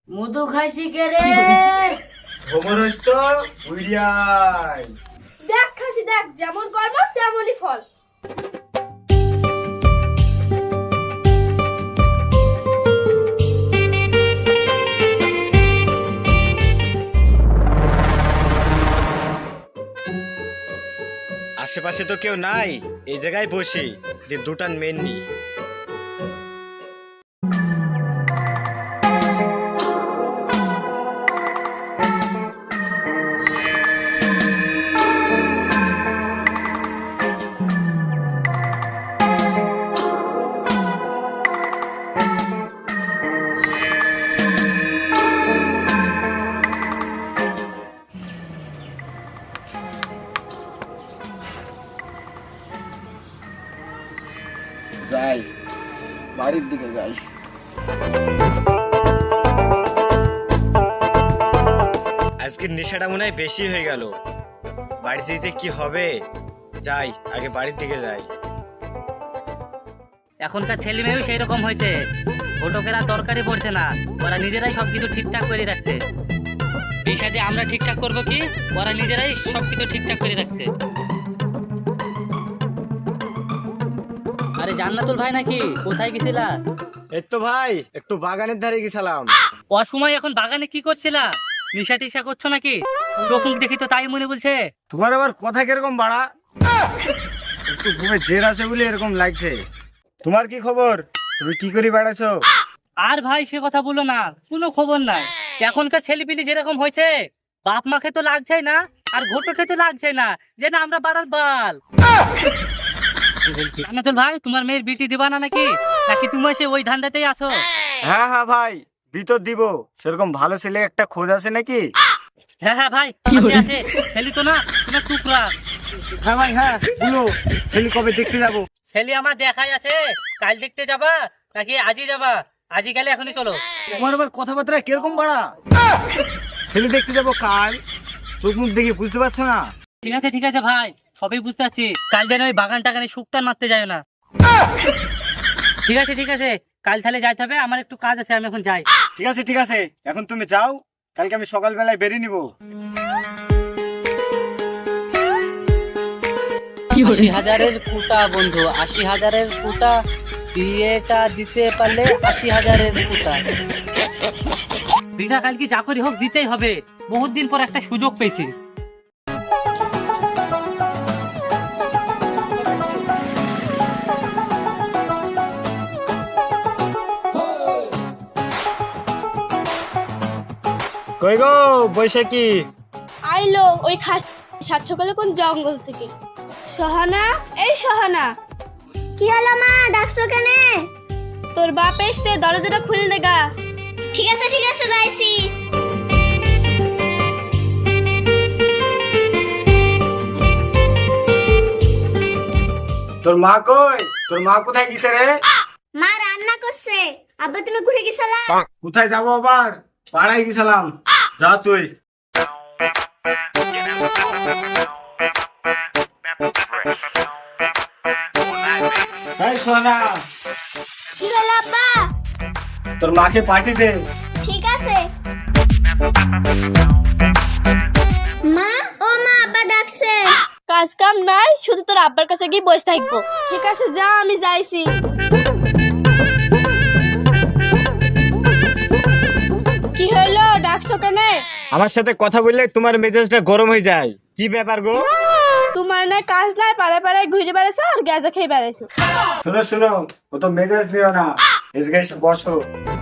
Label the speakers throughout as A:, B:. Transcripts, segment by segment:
A: মধু খাইছি কে রে?
B: ভোমরস তো উড়িয়াই।
C: দেখ খাসি দেখ, যেমন কর্ম তেমনই ফল।
B: আশেপাশে তো কেউ নাই, এই জায়গায় বসি যে দুটান মেন নি।
D: যাই, বাড়ির দিকে যাই।
B: আজকের নেশাটা মনে হয় বেশি হয়ে গেল। বাড়িতে যে কি হবে, যাই আগে বাড়ির দিকে যাই।
E: এখনকার ছেলে মেয়েও সেই রকম হয়েছে, ঘটকেরা তরকারি পড়ছে না, ওরা নিজেরাই সবকিছু ঠিকঠাক করে রাখছে। বিষয়টি আমরা ঠিকঠাক করবো কি, ওরা নিজেরাই সবকিছু ঠিকঠাক করে রাখছে। আরে জান্নাতুল ভাই নাকি? কোথায় গেছিলা?
B: এই তো ভাই একটু বাগানের ধারে গেছিলাম।
E: অসময় এখন বাগানে কি করছিলা? নিশা টিশা করছো নাকি? চোখ মুখ দেখি তো তাই মনে বলছে।
B: তোমার আবার কথা কিরকম বাড়া? একটু ঘুমে জের আছে বলে এরকম লাগছে। তোমার কি খবর? তুমি কি করে বেড়াছো?
E: আর ভাই সে কথা বলো না, কোনো খবর নাই। এখনকার ছেলেপিলি যেরকম হয়েছে, বাপ মাকে তো লাগছে না, আর ঘটকে তো লাগছে না, যে না আমরা বাড়ার বাল। জান্নাতুল ভাই, তোমার মেয়ের বিটি দিবা না নাকি? নাকি তুমি সে ওই ধান্দাতেই আছো?
B: হ্যাঁ হ্যাঁ ভাই, ভিতর দিব। সেরকম ভালো ছেলে একটা খোঁজ আছে নাকি?
E: হ্যাঁ হ্যাঁ ভাই, আছে। ছেলে তো না, তোমার টুকরা।
B: হ্যাঁ ভাই হ্যাঁ, বলো ছেলে কবে দেখতে যাবো?
E: ছেলে আমার দেখাই আছে। কাল দেখতে যাবা নাকি আজই যাবা? আজই গেলে এখনই চলো।
B: তোমার আবার কথাবার্তা কিরকম বাড়া? ছেলে দেখতে যাবো কাল, চোখ মুখ দেখে বুঝতে পারছো না?
E: ঠিক আছে ভাই, সবই বুঝতে পারছি। কাল যেন ওই বাগান টাগানে শুকটান মারতে যায় না। ঠিক আছে, কাল তাহলে যাইতে হবে। আমার একটু কাজ আছে, আমি এখন যাই।
B: ঠিক আছে, এখন তুমি যাও, কালকে আমি সকালবেলায় বেরিয়ে নিবো।
E: 80,000-এর কুটা বন্ধু, 80,000-এর কুটা, বিয়েটা দিতে পারলে 80,000-এর কুটা। বিটা কালকে যা করি হোক দিতেই হবে, বহুত দিন পর একটা সুযোগ পেয়েছি।
B: কই গো বৈশাখী?
C: আইলো ওই খাস সাত সকালে কোন জঙ্গল থেকে। সহানা, এই সহানা। কি হলো মা, ডাকছো কেন? তোর বাপ এসছে, দরজাটা খুলে দেগা। ঠিক আছে যাইছি।
B: তোর মা কই? তোর মা কোথায় গেছে রে?
C: মা রান্না করছে। আব্বা তুমি ঘুরে গেছলা?
B: কোথায় যাবো আবার? পাড়ায় গেছিলাম। যা তুই। এই সোনা,
C: কি হলো আব্বা?
B: তোর মাকে পাঠিয়ে দে।
C: ঠিক আছে। মা, ও মা, আব্বা ডাকছে। কাজ কাম নাই, শুধু তোর আব্বার কাছে গিয়ে বসে থাকবো। ঠিক আছে যা, আমি যাইছি। কি হলো, ডাকছো কেন?
B: আমার সাথে কথা বললে তোমার মেজাজটা গরম হয়ে যায়। কি ব্যাপার গো?
C: তোমার না কাজ নাই, পাড়ায় পাড়ায় ঘুরে বেড়াইছো আর গাঁজা খেয়ে বেড়াইছো।
B: শোনো, ও তো মেজাজ নিও না, এসে এসে বসো।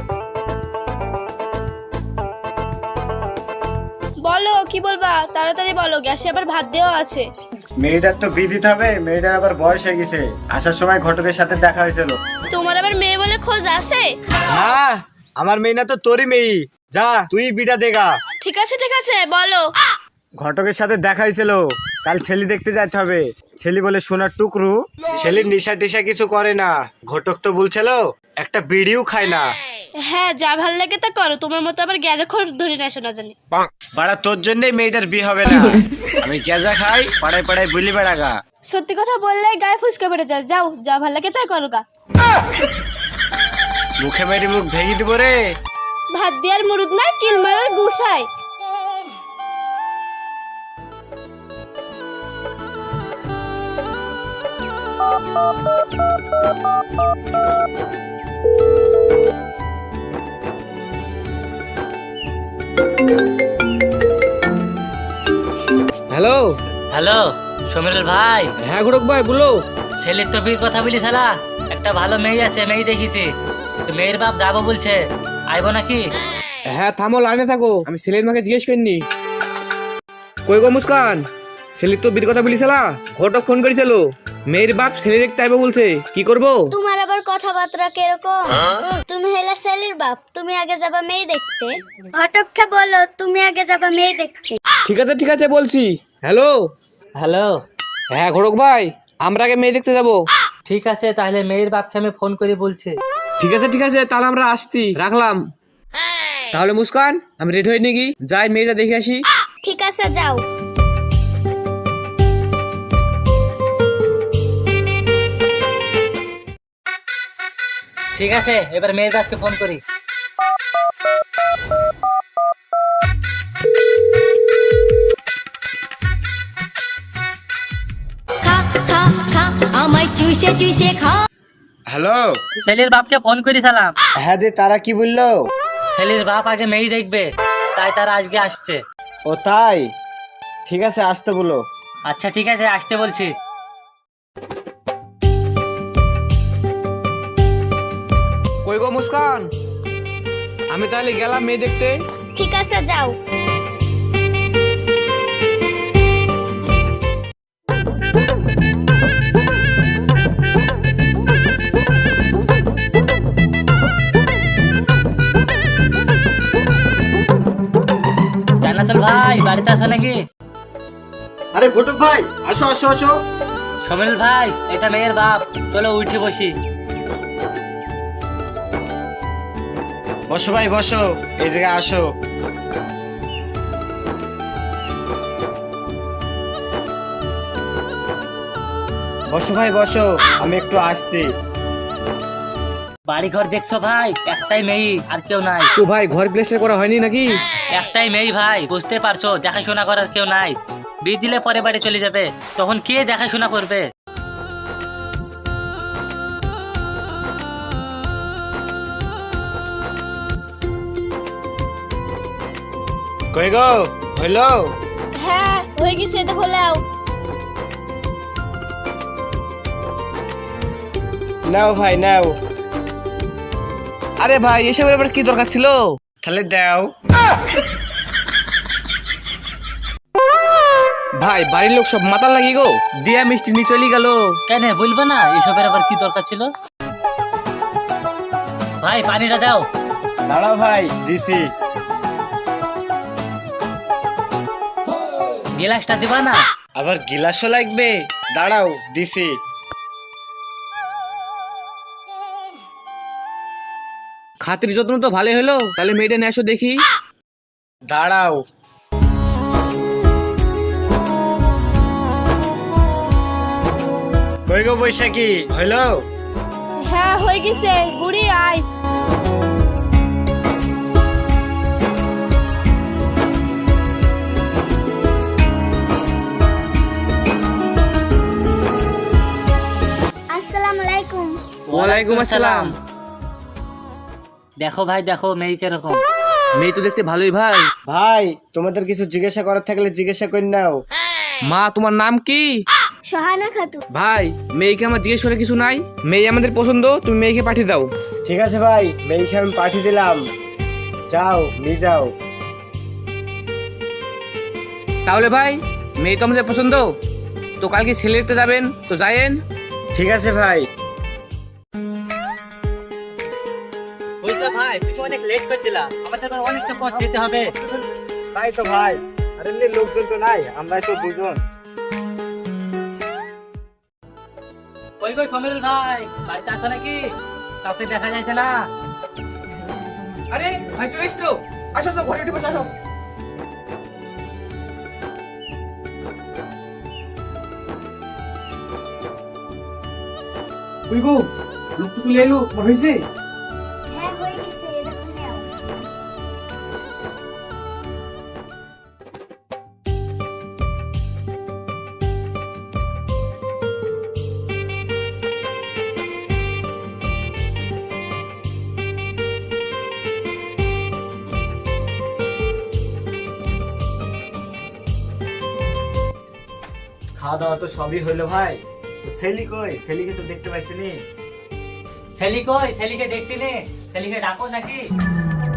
C: বলো কি বলবা, তাড়াতাড়ি বলো, গ্যাসে আবার ভাত দেওয়া আছে।
B: মেয়েটার তো বিয়ে দিতে হবে, মেয়েটার আবার বয়স হয়ে গেছে। আসার সময় ঘটকের সাথে দেখা হয়েছিল।
C: তোমার আবার মেয়ে বলে খোঁজ আছে?
B: হ্যাঁ, আমার মেয়ে না তো তোরই মেয়ে। যা তুই বিটা দেখা।
C: ঠিক আছে বলো।
B: ঘটকের সাথে দেখা হয়েছিল, কাল ছেলে দেখতে যেতে হবে। ছেলে বলে সোনার টুকরু, ছেলের নেশা টেশা কিছু করে না। ঘটক তো বলছিল একটা বিড়িও খায় না।
C: হ্যাঁ, যা ভাল লাগে তা করো, তোমার মতো আবার গ্যাজা খোর ধরে না শোনা জানি।
B: বাড়া তোর জন্যই মেয়েটার বিয়ে হবে না। আমি গেজা খাই, পাড়ায় পাড়ায় বুলি বেড়াগা।
C: সত্যি কথা বললে গায়ে ফুসকে পড়ে যায়। যাও, যা ভাল লাগে তাই করো গা।
B: মুখে মেরে মুখ ভেঙে দিব রে।
C: ভাত দেওয়ার মুরুদ নাই, কিল মারার গুছায়।
B: হ্যালো।
E: হ্যালো সমীরুল ভাই।
B: হ্যাঁ ঘটক ভাই বলো।
E: ছেলের তো বিয়ের কথা বলি শালা, একটা ভালো মেয়ে আছে, মেয়ে দেখেছি, তো মেয়ের বাপ যাবো বলছে, আইবো নাকি?
B: হ্যাঁ থামো, লাইনে থাকো, আমি ছেলের মাকে জিজ্ঞেস করিনি। কই গো মুস্কান, ছেলের তো বিয়ের কথা বলিছিলা, ঘটক ফোন করেছিল, মেয়ের বাপ ছেলে দেখতে আইবো বলছে, কি করবো?
C: তোমার আবার কথাবার্তা কিরকম? তুমি হলে ছেলের বাপ, তুমি আগে যাবা মেয়ে দেখতে। ঘটককে বলো তুমি আগে যাবা মেয়ে দেখতে।
B: ঠিক আছে বলছি। হ্যালো।
E: হ্যালো।
B: হ্যাঁ ঘটক ভাই, আমরা আগে মেয়ে দেখতে যাবো।
E: ঠিক আছে, তাহলে মেয়ের বাপকে আমি ফোন করে বলছি।
B: ঠিক আছে, তাহলে আমরা আসছি, রাখলাম। তাহলে মুস্কান, আমি রেডি হই নাকি, যাই মেয়েটা দেখে আসি।
C: ঠিক আছে যাও।
E: ঠিক আছে, এবার মেয়ের বাপকে ফোন করি।
B: হ্যালো।
E: ছেলের বাপকে ফোন করি সালাম।
B: হ্যাঁ দে, তারা কি বললো?
E: ছেলের বাপ আগে মেয়ে দেখবে, তাই তারা আজকে আসছে।
B: ও তাই, ঠিক আছে আসতে বলো।
E: আচ্ছা ঠিক আছে, আসতে বলছি।
B: কই গো মুস্কান, আমি তাহলে গেলাম মেয়ে দেখতে।
C: ঠিক আছে যাও।
E: জান্নাতুল ভাই বাড়িতে আসো নাকি?
B: আরে ঘটক ভাই, আসো আসো আসো।
E: সমীরুল ভাই, এটা মেয়ের বাপ, চলো উঠে বসি।
B: বসো ভাই বসো, এই জায়গায় আসো। বসো ভাই বসো, আমি একটু আসছি।
E: বাড়ি ঘর দেখছো ভাই, একটাই মেয়ে, আর কেউ নাই।
B: তো ভাই ঘর প্লেস্টার করা হয়নি নাকি?
E: একটাই মেয়ে ভাই, বুঝতে পারছো, দেখাশোনা করার কেউ নাই। বিয়ে দিলে পরে বাড়ি চলে যাবে, তখন কে দেখাশোনা করবে?
B: কই গো, হইলো?
C: হ্যাঁ হয়ে গেছে, এটা খোলাও।
B: নাও ভাই নাও।
A: আরে ভাই এসবের আবার কি দরকার ছিল?
B: তাহলে দাও।
A: ভাই বাড়ির লোক সব মাতাল লাগি গো, দিয়া মিষ্টি নিয়ে চলে গেল।
E: কেন বলবে না, এসবের আবার কি দরকার ছিল? ভাই পানিটা দাও।
B: দাঁড়াও ভাই, দিছি।
E: গ্লাসটা দিবা না?
B: আবার গিলাসও লাগবে, দাঁড়াও দিছি।
A: খাতির যত্ন তো ভালো হলো, তাহলে মেয়েটা নিয়ে আসো দেখি।
B: দাঁড়াও। কই গো বৈশাখী, হইলো?
C: হ্যাঁ হয়ে গেছে, বুড়ি আয়। আসসালামু আলাইকুম।
A: ওয়ালাইকুম আসসালাম।
E: দেখো ভাই দেখো, মেয়ে কিরকম।
A: মেয়ে তো দেখতে ভালোই ভাই।
B: ভাই তোমাদের কিছু জিজ্ঞাসা করার থাকলে জিজ্ঞাসা করে নাও।
A: মা তোমার নাম কি?
C: সোহানা খাতুন।
A: ভাই মেয়েকে আমার জিজ্ঞেস করে কিছু নাই, মেয়ে আমাদের পছন্দ, তুমি মেয়েকে পাঠিয়ে দাও।
B: ঠিক আছে ভাই, মেয়েকে আমি পাঠিয়ে দিলাম, যাও নিয়ে যাও।
A: তাহলে ভাই মেয়ে তো আমাদের পছন্দ, তো কালকে ছেলে দেখতে যাবেন, তো যায়েন।
B: ঠিক আছে ভাই।
E: বুঝলে ভাই, তুমি অনেক লেট করে দিলা, আমাদের আবার অনেকটা পথ যেতে হবে।
B: তাই তো ভাই, আরে লোকজন তো নাই, আমরাই তো দুজন।
E: কই কই সমীরুল ভাই, বাড়িতে আসো নাকি? কাউকে দেখা যাচ্ছে না।
A: আরে ভাই চলে এসছো, আসো আসো ঘরে উঠে বসো, আসো। ওই গো, লোক তো চলে এলো, তোমার হয়েছে?
C: হ্যাঁ হয়ে গেছে, এটা খোলাও।
F: খাওয়া দাওয়া তো সবই হইলো ভাই। তো সেলি কই? সেলিকে তো দেখতে পাইছিনি।
E: সেলি কই? সেলিকে দেখছি নে, সেলিকে ডাকো নাকি?